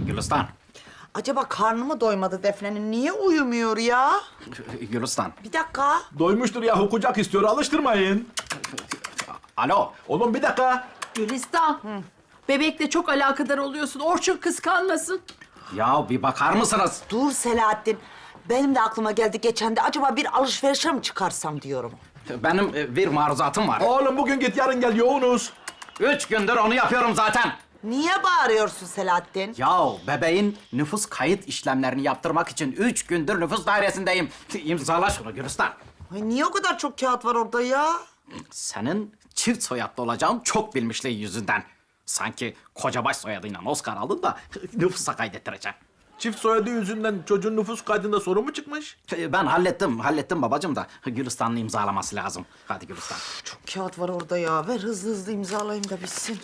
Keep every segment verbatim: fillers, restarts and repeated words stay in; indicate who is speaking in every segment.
Speaker 1: Gülistan.
Speaker 2: Acaba karnı mı doymadı Defne'nin? Niye uyumuyor ya?
Speaker 1: Gülistan.
Speaker 2: Bir dakika.
Speaker 3: Doymuştur yahu, kucak istiyor, alıştırmayın.
Speaker 1: Alo.
Speaker 3: Oğlum bir dakika.
Speaker 4: Gülistan, bebekle çok alakadar oluyorsun. Orçun kıskanmasın.
Speaker 1: Ya bir bakar mısınız?
Speaker 2: Dur Selahattin. Benim de aklıma geldi geçen de. Acaba bir alışverişe mi çıkarsam diyorum.
Speaker 1: Benim e, bir maruzatım var.
Speaker 3: Oğlum bugün git, yarın gel, yoğunuz.
Speaker 1: Üç gündür onu yapıyorum zaten.
Speaker 2: Niye bağırıyorsun Selahattin?
Speaker 1: Ya bebeğin nüfus kayıt işlemlerini yaptırmak için üç gündür nüfus dairesindeyim. İmzala şunu Gülistan.
Speaker 2: Ay niye o kadar çok kağıt var orada ya?
Speaker 1: Senin çift soyadlı olacağın çok bilmişliği yüzünden. Sanki kocabaş soyadıyla Oscar aldın da nüfusa kaydettireceğim.
Speaker 3: Çift soyadı yüzünden çocuğun nüfus kaydında sorun mu çıkmış?
Speaker 1: Ben hallettim, hallettim babacığım da Gülistan'ın imzalaması lazım. Hadi Gülistan.
Speaker 2: Çok kağıt var orada ya. Ver hızlı hızlı imzalayayım da bitsin.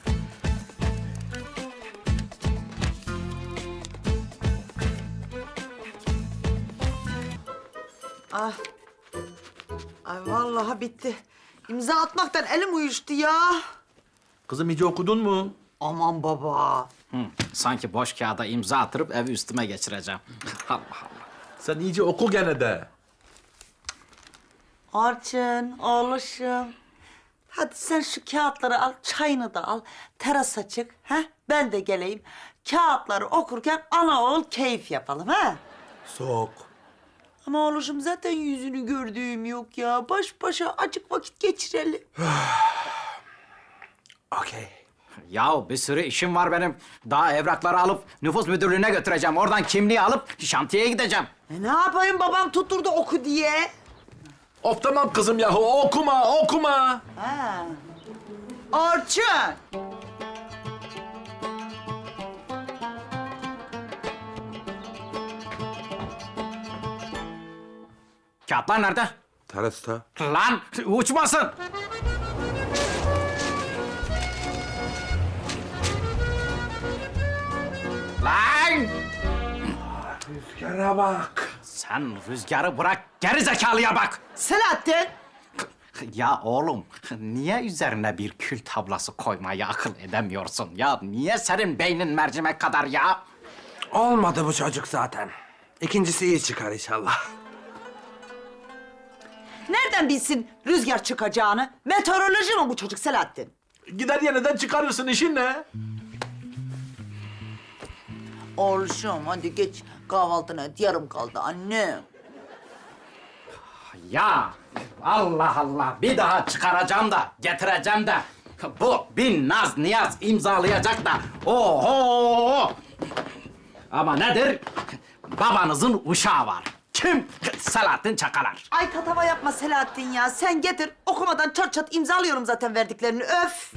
Speaker 2: Ah. Ay vallahi bitti. İmza atmaktan elim uyuştu ya.
Speaker 3: Kızım iyice okudun mu?
Speaker 2: Aman baba.
Speaker 1: Hı, sanki boş kağıda imza attırıp evi üstüme geçireceğim. Allah Allah.
Speaker 3: Sen iyice oku gene de.
Speaker 2: Orçun, oğluşum. Hadi sen şu kağıtları al, çayını da al. Terasa çık, ha? Ben de geleyim. Kağıtları okurken ana oğul keyif yapalım, ha?
Speaker 3: Sok.
Speaker 2: Ama oğluşum zaten yüzünü gördüğüm yok ya. Baş başa acık vakit geçirelim.
Speaker 3: Okey.
Speaker 1: Ya bir sürü işim var benim. Daha evrakları alıp nüfus müdürlüğüne götüreceğim. Oradan kimliği alıp şantiyeye gideceğim.
Speaker 2: E ne yapayım babam tutturdu oku diye.
Speaker 3: Of tamam kızım yahu, okuma, okuma.
Speaker 2: Ha. Orçun.
Speaker 1: Kağıtlar nerede?
Speaker 3: Terasta.
Speaker 1: Lan uçmasın. Lan!
Speaker 3: Rüzgara bak.
Speaker 1: Sen rüzgarı bırak, geri zekalıya bak.
Speaker 2: Selahattin.
Speaker 1: Ya oğlum, niye üzerine bir kül tablası koymayı akıl edemiyorsun? Ya niye senin beynin mercimek kadar ya?
Speaker 5: Olmadı bu çocuk zaten. İkincisi iyi çıkar inşallah.
Speaker 2: Nereden bilsin rüzgar çıkacağını? Meteoroloji mi bu çocuk Selahattin?
Speaker 3: Gider yeniden çıkarırsın, işin ne?
Speaker 2: Oğluşum hadi geç kahvaltına et, yarım kaldı anne.
Speaker 1: Ya Allah Allah, bir daha çıkaracağım da getireceğim de bu bin naz niyaz imzalayacak da oho! Ama nedir? Babanızın uşağı var. Kim? Selahattin Çakalar.
Speaker 2: Ay tatava yapma Selahattin ya. Sen getir. Okumadan çat çat imzalıyorum zaten verdiklerini. Öf.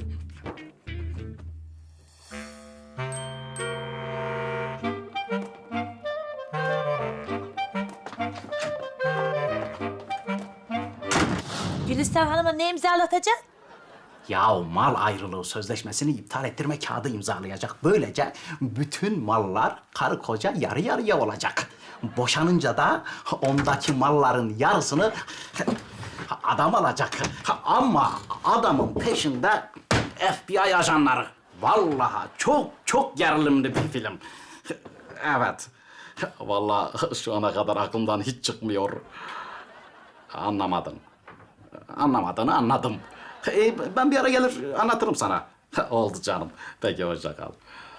Speaker 6: Gülistan Hanım'a ne imzalatacaksın?
Speaker 1: Ya mal ayrılığı sözleşmesini iptal ettirme kağıdı imzalayacak. Böylece bütün mallar karı koca yarı yarıya olacak. Boşanınca da ondaki malların yarısını adam alacak. Ama adamın peşinde F B I ajanları. Vallahi çok çok gerilimli bir film. Evet. Vallahi şu ana kadar aklımdan hiç çıkmıyor. Anlamadın. Anlamadığını anladım. Ee, ben bir ara gelir anlatırım sana. Oldu canım. Peki hoşça kal.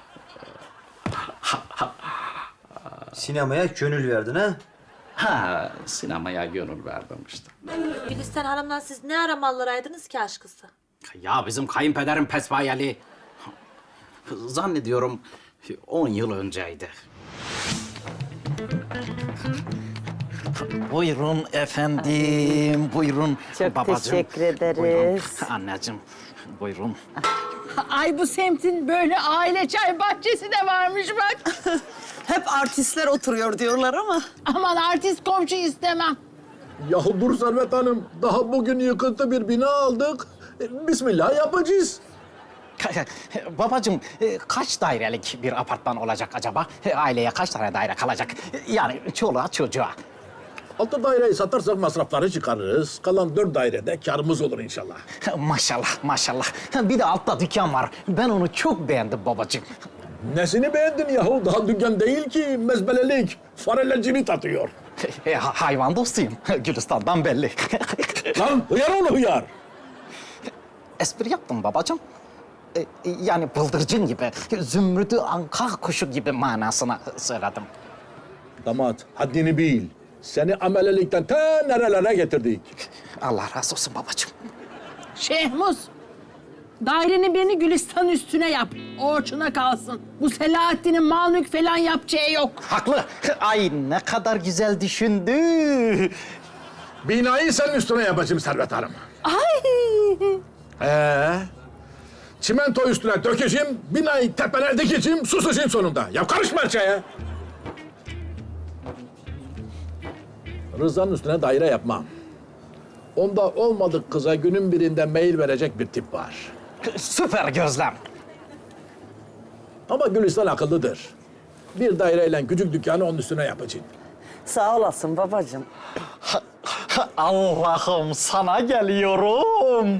Speaker 7: Sinemaya gönül verdin ha?
Speaker 1: Ha, sinemaya gönül verdim işte.
Speaker 6: Gülistan Hanım'la siz ne ara mallıraydınız ki aşkısı?
Speaker 1: Ya bizim kayınpederim pesbayeli. Zannediyorum on yıl önceydi. Buyurun efendim, buyurun.
Speaker 2: Çok
Speaker 1: babacığım.
Speaker 2: teşekkür ederiz.
Speaker 1: Buyurun. Anneciğim, buyurun.
Speaker 4: Ay bu semtin böyle aile çay bahçesi de varmış bak.
Speaker 2: Hep artistler oturuyor diyorlar ama.
Speaker 4: Aman artist komşu istemem.
Speaker 3: Yahu dur Servet Hanım, daha bugün yıkıntı bir bina aldık. E, Bismillah yapacağız.
Speaker 1: Babacığım, e, kaç dairelik bir apartman olacak acaba? E, Aileye kaç tane daire kalacak? E, Yani çoluğa çocuğa.
Speaker 3: Altı daireyi satarsak masrafları çıkarırız. Kalan dört dairede karımız olur inşallah.
Speaker 1: Maşallah, maşallah. Bir de altta dükkan var. Ben onu çok beğendim babacığım.
Speaker 3: Nesini beğendin yahu? Daha dükkan değil ki, mezbelelik. Fareler cirit atıyor.
Speaker 1: E, ha- hayvan dostuyum. Gülistan'dan belli.
Speaker 3: Lan hıyar oğlu hıyar.
Speaker 1: Espri yaptım babacığım. E, e, yani bıldırcın gibi, zümrüdü anka kuşu gibi manasına söyledim.
Speaker 3: Damat, haddini bil. Seni amelelikten ta nerelere getirdik.
Speaker 1: Allah razı olsun babacığım.
Speaker 4: Şehmuz, dairenin birini Gülistan üstüne yap. Orçuna kalsın. Bu Selahattin'in mal mülk falan yapacağı yok.
Speaker 1: Haklı. Ay ne kadar güzel düşündü.
Speaker 3: Binayı senin üstüne yapacağım Servet Hanım.
Speaker 4: Ay!
Speaker 3: Ee, çimento üstüne dökeceğim, binayı tepene dikeceğim, susacağım sonunda. Ya karışma her şeye. Rıza'nın üstüne daire yapmam. Onda olmadık kıza günün birinde mail verecek bir tip var.
Speaker 1: Süper gözlem.
Speaker 3: Ama Gülistan akıllıdır. Bir daireyle küçük dükkanı onun üstüne yapacağım.
Speaker 2: Sağ olasın babacığım.
Speaker 1: Allah'ım sana geliyorum.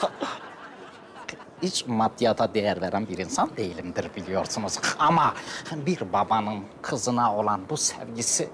Speaker 1: Hiç maddiyata değer veren bir insan değilimdir biliyorsunuz. Ama bir babanın kızına olan bu sevgisi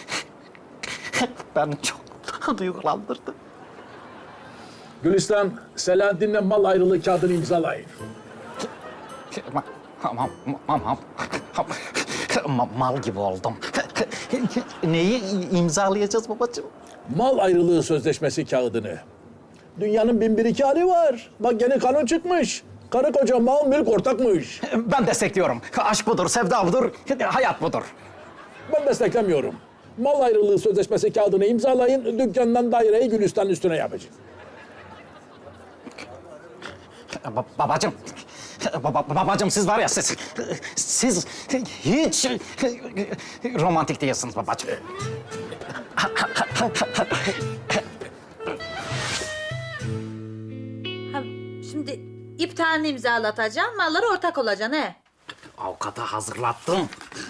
Speaker 1: beni çok duygulandırdı.
Speaker 3: Gülistan, Selahattin'le mal ayrılığı kağıdını imzalayın.
Speaker 1: Ma- Tamam, tamam. Ma- Mal gibi oldum. Neyi imzalayacağız babacığım?
Speaker 3: Mal ayrılığı sözleşmesi kağıdını. Dünyanın bin bir iki hali var. Bak yeni kanun çıkmış. Karı koca mal mülk ortakmış.
Speaker 1: Ben destekliyorum. Aşk budur, sevda budur, hayat budur.
Speaker 3: Ben desteklemiyorum. Mal ayrılığı sözleşmesi kağıdını imzalayın, dükkandan daireyi Gülistan üstüne yapacağım.
Speaker 1: Ba- babacığım, baba, babacığım siz var ya siz, siz hiç romantik değilsiniz babacığım.
Speaker 6: Ha, şimdi iptalini imzalatacağım, mallara ortak olacaksın he.
Speaker 1: Avukata hazırlattım.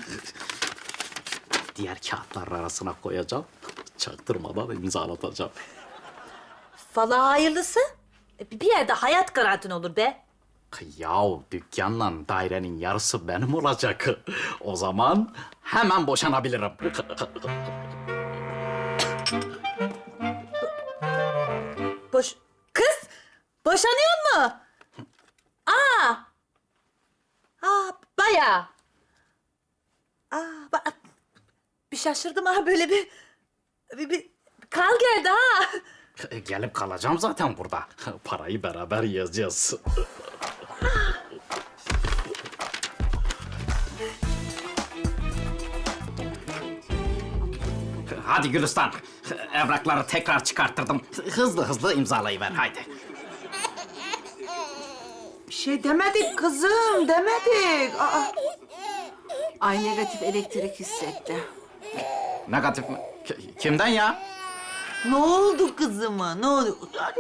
Speaker 1: Diğer kağıtlar arasına koyacağım. Çaktırmadan imzalatacağım.
Speaker 6: Vallahi hayırlısı. E, Bir yerde hayat garantin olur be.
Speaker 1: Yahu dükkanla dairenin yarısı benim olacak. O zaman hemen boşanabilirim.
Speaker 6: Boş... Kız! Boşanıyor mu? Aa! Aa, bayağı. Aa, ba- bir şaşırdım ha, böyle bir... Bir, bir kal geldi ha.
Speaker 1: Gelip kalacağım zaten burada. Parayı beraber yiyeceğiz. Hadi Gülistan. Evrakları tekrar çıkarttırdım. Hızlı hızlı imzalayıver haydi.
Speaker 2: Bir şey demedik kızım, demedik. Aa,
Speaker 4: Ay negatif elektrik hissetti.
Speaker 1: Negatif mi? K- kimden ya?
Speaker 2: ne oldu kızıma? Ne oldu?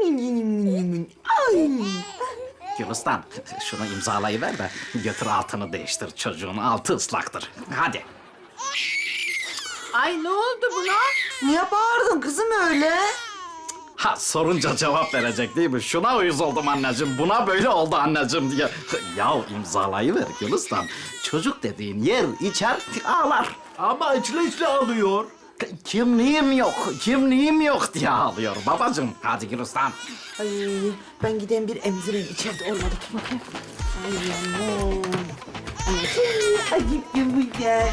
Speaker 2: Ay.
Speaker 1: Gülistan, şunu imzalayıver de götür altını değiştir. Çocuğun altı ıslaktır. Hadi.
Speaker 4: Ay ne oldu buna?
Speaker 2: Niye bağırdın kızım öyle?
Speaker 1: Ha sorunca cevap verecek değil mi? Şuna uyuz oldum anneciğim, buna böyle oldu anneciğim diye. Ya imzalayıver Gülistan. Çocuk dediğin yer içer ağlar.
Speaker 3: Ama içli içli alıyor.
Speaker 1: Kimliğim yok, kimliğim yok diye ağlıyor babacığım. Hadi Gülistan.
Speaker 2: Ay ben gideyim bir emzireyim, içeride olmadı. Dur bakayım. Ay yavrum. Ay acıktım bu gel.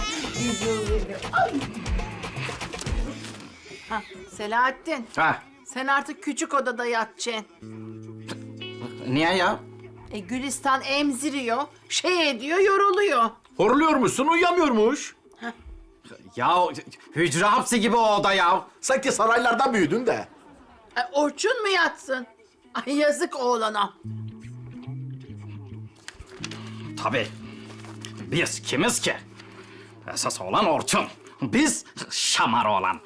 Speaker 4: Ha, Selahattin,
Speaker 1: Ha,
Speaker 4: sen artık küçük odada yatacaksın.
Speaker 1: niye ya?
Speaker 4: E, Gülistan emziriyor, şey ediyor, yoruluyor.
Speaker 3: Horluyormuşsun, uyuyamıyormuş.
Speaker 1: Ya hücre hapsi gibi o oda ya.
Speaker 3: Sanki saraylarda büyüdün de.
Speaker 4: E, Orçun mu yatsın? Ay yazık oğlana.
Speaker 1: Tabii. Biz kimiz ki? Esas olan Orçun. Biz şamar olan.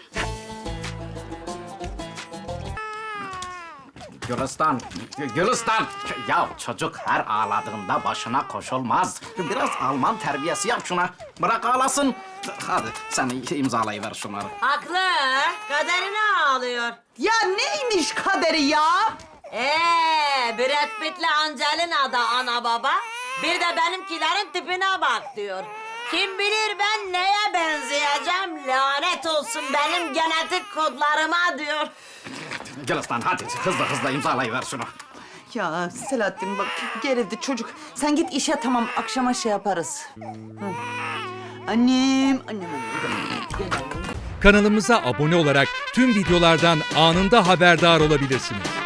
Speaker 1: Gülistan, Gülistan. Ya çocuk her ağladığında başına koşulmaz. Biraz Alman terbiyesi yap şuna. Bırak ağlasın. Hadi sen imzalayıver şunları.
Speaker 6: Haklı. Kaderine ağlıyor.
Speaker 2: Ya neymiş kaderi ya?
Speaker 6: Ee, Brad Pitt'le Angelina da ana baba.
Speaker 2: Bir de benimkilerin tipine bak diyor. Kim bilir ben neye benzeyeceğim? Lanet olsun benim genetik kodlarıma diyor.
Speaker 1: Gel aslan hadi hızlı hızlı imzalayıver şunu.
Speaker 2: Ya Selahattin bak gerildi çocuk. Sen git işe tamam akşama şey yaparız. Hı. Annem, annem, annem. Gel annem.
Speaker 8: Kanalımıza abone olarak tüm videolardan anında haberdar olabilirsiniz.